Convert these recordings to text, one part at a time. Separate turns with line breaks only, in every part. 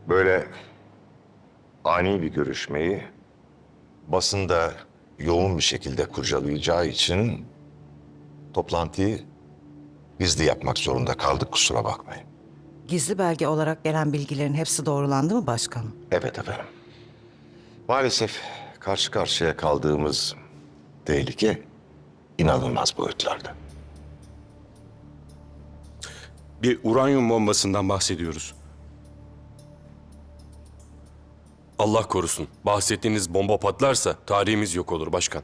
Böyle ani bir görüşmeyi basında yoğun bir şekilde kurcalayacağı için toplantıyı gizli yapmak zorunda kaldık, kusura bakmayın.
Gizli belge olarak gelen bilgilerin hepsi doğrulandı mı başkanım?
Evet efendim. Maalesef karşı karşıya kaldığımız tehlike inanılmaz boyutlarda.
Bir uranyum bombasından bahsediyoruz. Allah korusun. Bahsettiğiniz bomba patlarsa tarihimiz yok olur başkan.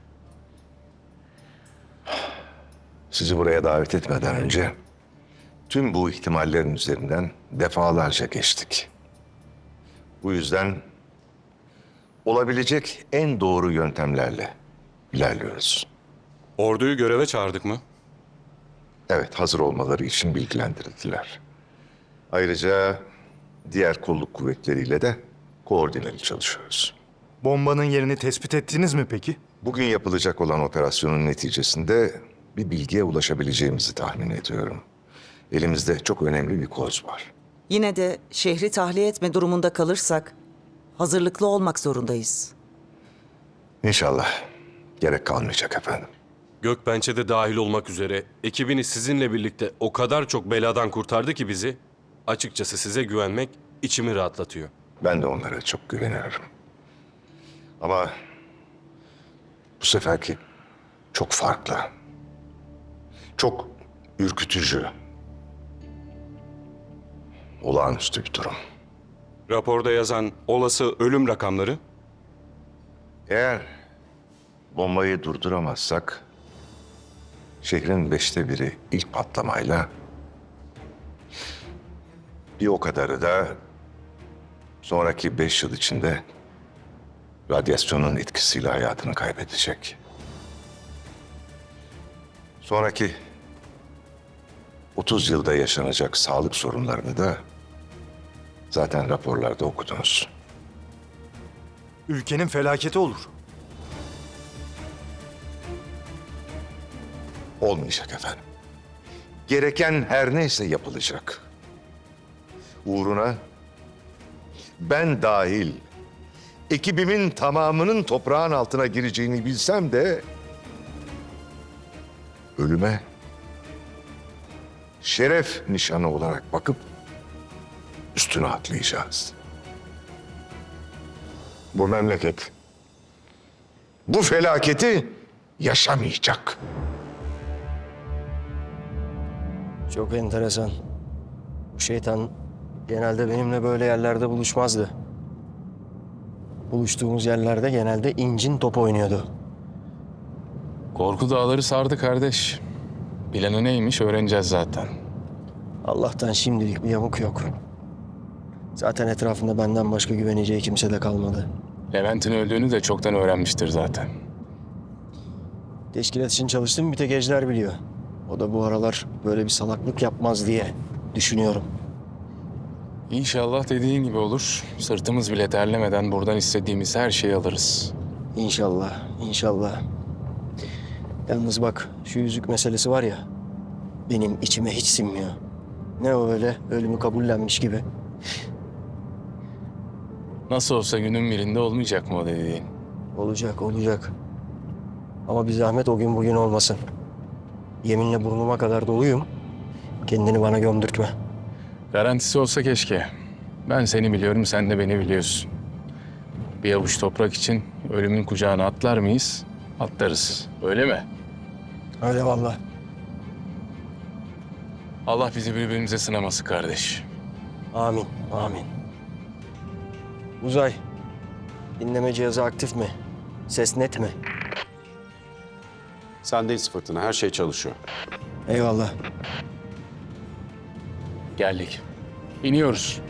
Sizi buraya davet etmeden önce tüm bu ihtimallerin üzerinden defalarca geçtik. Bu yüzden olabilecek en doğru yöntemlerle ilerliyoruz.
Orduyu göreve çağırdık mı?
Evet, hazır olmaları için bilgilendirildiler. Ayrıca diğer kolluk kuvvetleriyle de koordineli çalışıyoruz.
Bombanın yerini tespit ettiniz mi peki?
Bugün yapılacak olan operasyonun neticesinde bir bilgiye ulaşabileceğimizi tahmin ediyorum. Elimizde çok önemli bir koz var.
Yine de şehri tahliye etme durumunda kalırsak hazırlıklı olmak zorundayız.
İnşallah gerek kalmayacak efendim.
Gökbençe de dahil olmak üzere ekibiniz sizinle birlikte o kadar çok beladan kurtardı ki bizi. Açıkçası size güvenmek içimi rahatlatıyor.
Ben de onlara çok güveniyorum. Ama bu seferki çok farklı. Çok ürkütücü. Olağanüstü bir durum.
Raporda yazan olası ölüm rakamları
Eğer bombayı durduramazsak şehrin 1/5 ilk patlamayla bir o kadarı da sonraki 5 yıl içinde radyasyonun etkisiyle hayatını kaybedecek. Sonraki 30 yılda yaşanacak sağlık sorunlarını da zaten raporlarda okudunuz.
Ülkenin felaketi olur.
Olmayacak efendim. Gereken her neyse yapılacak. Uğruna ben dahil ekibimin tamamının toprağın altına gireceğini bilsem de ölüme şeref nişanı olarak bakıp üstüne atlayacağız. Bu memleket bu felaketi yaşamayacak.
Çok enteresan. Bu şeytan genelde benimle böyle yerlerde buluşmazdı. Buluştuğumuz yerlerde genelde incin top oynuyordu.
Korku dağları sardı kardeş. Planı neymiş öğreneceğiz zaten.
Allah'tan şimdilik bir yamuk yok. Zaten etrafında benden başka güveneceği kimse de kalmadı.
Levent'in öldüğünü de çoktan öğrenmiştir zaten.
Teşkilat için çalıştığım bir tek Ejder biliyor. O da bu aralar böyle bir salaklık yapmaz diye düşünüyorum.
İnşallah dediğin gibi olur. Sırtımız bile terlemeden buradan istediğimiz her şeyi alırız.
İnşallah, inşallah. Yalnız bak şu yüzük meselesi var ya, benim içime hiç sinmiyor. Ne o öyle ölümü kabullenmiş gibi.
Nasıl olsa günün birinde olmayacak mı o dediğin?
Olacak, olacak. Ama bir zahmet o gün bugün olmasın. Yeminle burnuma kadar doluyum. Kendini bana gömdürtme.
Garantisi olsa keşke. Ben seni biliyorum, sen de beni biliyorsun. Bir avuç toprak için ölümün kucağına atlar mıyız? Atlarız. Öyle mi?
Öyle vallahi.
Allah bizi birbirimize sınaması kardeş.
Amin, amin. Uzay, dinleme cihazı aktif mi? Ses net mi?
Sendeyiz Fırtına. Her şey çalışıyor.
Eyvallah.
Geldik. İniyoruz.